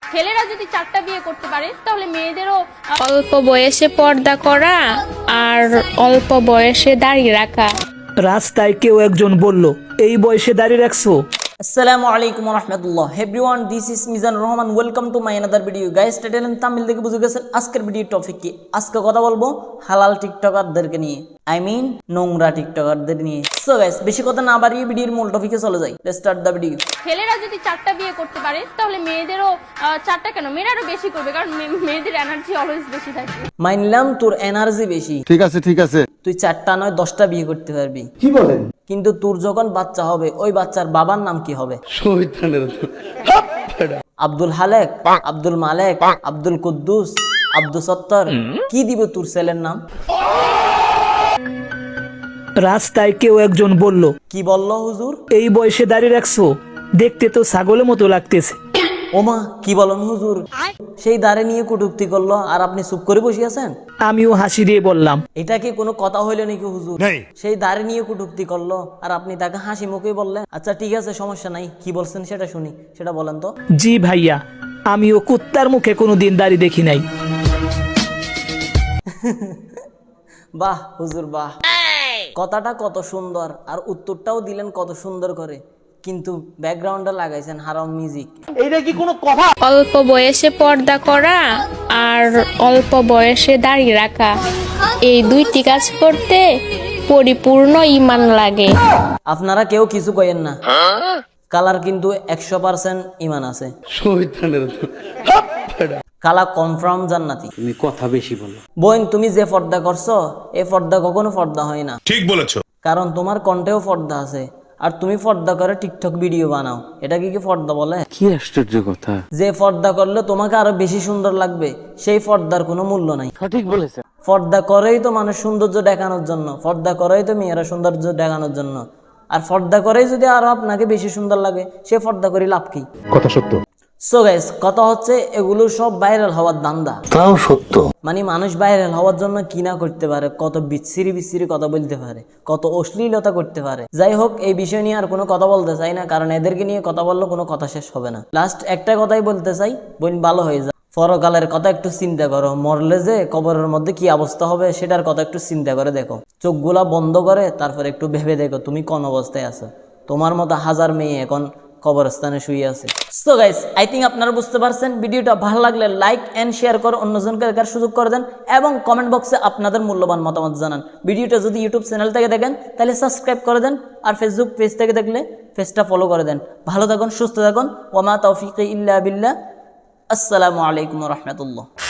ছেলেরা যদি 4টা বিয়ে করতে পারে তাহলে মেয়েদেরও অল্প বয়সে পর্দা করা আর অল্প বয়সে দাড়ি রাখা। রাস্তায় কেউ একজন বলল, এই বয়সে দাঁড়িয়ে রাখছো? আসসালামু আলাইকুম রহমতুল্লাহ everyone, this is Mizan Rahman. Welcome to my another video. Guys, title and thumbnail দেখে বুঝে গেছেন আজকের ভিডিওর টপিক কি। আজকে কথা বলবো হালাল টিকটকারদেরকে নিয়ে, আই মিন নোংরা টিকটকারদের নিয়ে। সো গাইস, বেশি কথা না বাড়িয়ে ভিডিওর মূল টপিকে চলে যাই। Let's start the video. ছেলেরা যদি 4টা বিয়ে করতে পারে তাহলে মেয়েদেরও 4টা কেন, মেয়েরাও বেশি করবে, কারণ মেয়েদের এনার্জি অলওয়েজ বেশি থাকে। মানলাম তোর এনার্জি বেশি, ঠিক আছে ঠিক আছে, তুই 4টা নয় 10টা বিয়ে করতে পারবি। কি বলেন? কিন্তু তোর যখন বাচ্চা হবে, ওই বাচ্চার বাবার নাম কি হবে? আব্দুল হালেক, আব্দুল মালেক, আব্দুল কুদ্দুস, আব্দুল সত্তর, কি দিব তোর ছেলের নাম? রাস্তায় কেউ একজন বলল, কি বললো হুজুর? এই বয়সে দাঁড়িয়ে রাখছো? দেখতে তো ছাগলের মতো লাগতেছে। ওমা, কি বলেন হুজুর? সেই দাঁড়ে নিয়ে কটূক্তি করলো আর আপনি চুপ করে বসে আছেন? আমিও হাসি দিয়ে বললাম, এটা কি কোনো কথা হইলো নাকি হুজুর? সেই দাঁড়ে নিয়ে কটূক্তি করলো আর আপনি তাকে হাসি মুখে বললেন আচ্ছা ঠিক আছে, সমস্যা নাই, কি বলছেন সেটা শুনি, সেটা বলেন তো। জি ভাইয়া, আমিও কুত্তার মুখে কোনোদিন দাঁড়িয়ে দেখি নাই। বাহ হুজুর বাহ, কথাটা কত সুন্দর আর উত্তরটাও দিলেন কত সুন্দর করে, কিন্তু ব্যাকগ্রাউন্ডে লাগাইছেন হারাম মিউজিক। অল্প বয়সে পর্দা করা আর অল্প বয়সে দাড়ি রাখা, এই দুইটি কাজ করতে পরিপূর্ণ ঈমান লাগে। আপনারা কেউ কিছু কইেন না, কালার কিন্তু 100% ঈমান আছে। কালা কনফার্ম জান্নাতি। তুমি কথা বেশি বলো। বোন, তুমি যে পর্দা করছো এই পর্দা কখনো পর্দা হয় না। ঠিক বলেছো। কারণ তোমার কণ্ঠেও পর্দা আছে, আর তুমি পর্দা করে টিকটক ভিডিও বানাও, এটা কি পর্দা বলে? কি আশ্চর্য কথা। যে পর্দা করলে তোমাকে আরো বেশি সুন্দর লাগবে, সেই পর্দার কোনো মূল্য নাই। সঠিক বলেছে। পর্দা করেই তো মানুষ সৌন্দর্য দেখানোর জন্য, পর্দা করেই তো মেয়েরা সৌন্দর্য দেখানোর জন্য, আর পর্দা করেই যদি আরো আপনাকে বেশি সুন্দর লাগে, সে পর্দা করে লাভ কি? কথা সত্য। সো গাইস, কথা হচ্ছে এগুলো সব ভাইরাল হওয়ার ধান্দা। তাও সত্য। মানে মানুষ ভাইরাল হওয়ার জন্য কি না করতে পারে, কত বিচ্ছিরি বিচ্ছিরি কথা বলতে পারে, কত অশ্লীলতা করতে পারে। যাই হোক, এই বিষয় নিয়ে আর কোনো কথা বলতে চাই না, কারণ এদেরকে নিয়ে কথা বললে কোনো কথা শেষ হবে না। লাস্ট একটা কথাই বলতে চাই, বোন ভালো হয়ে যায়। পরকালের কথা একটু চিন্তা করো, মরলে যে কবরের মধ্যে কি অবস্থা হবে সেটার কথা একটু চিন্তা করে দেখো। চোখগুলা বন্ধ করে তারপর একটু ভেবে দেখো তুমি কোন অবস্থায় আছো। তোমার মতো হাজার মেয়ে এখন কবরস্থানে শুয়ে আছে। সো গাইস, আই থিঙ্ক আপনারা বুঝতে পারছেন। ভিডিওটা ভালো লাগলে লাইক এন্ড শেয়ার করে অন্যজনকে দেখার সুযোগ করে দেন এবং কমেন্ট বক্সে আপনাদের মূল্যবান মতামত জানান। ভিডিওটা যদি ইউটিউব চ্যানেল থেকে দেখেন তাহলে সাবস্ক্রাইব করে দেন, আর ফেসবুক পেজ থেকে দেখলে পেজটা ফলো করে দেন। ভালো থাকুন, সুস্থ থাকুন। ওয়া মা তাওফিকি ইল্লা বিল্লাহ। আসসালামু আলাইকুম ওয়া রাহমাতুল্লাহ।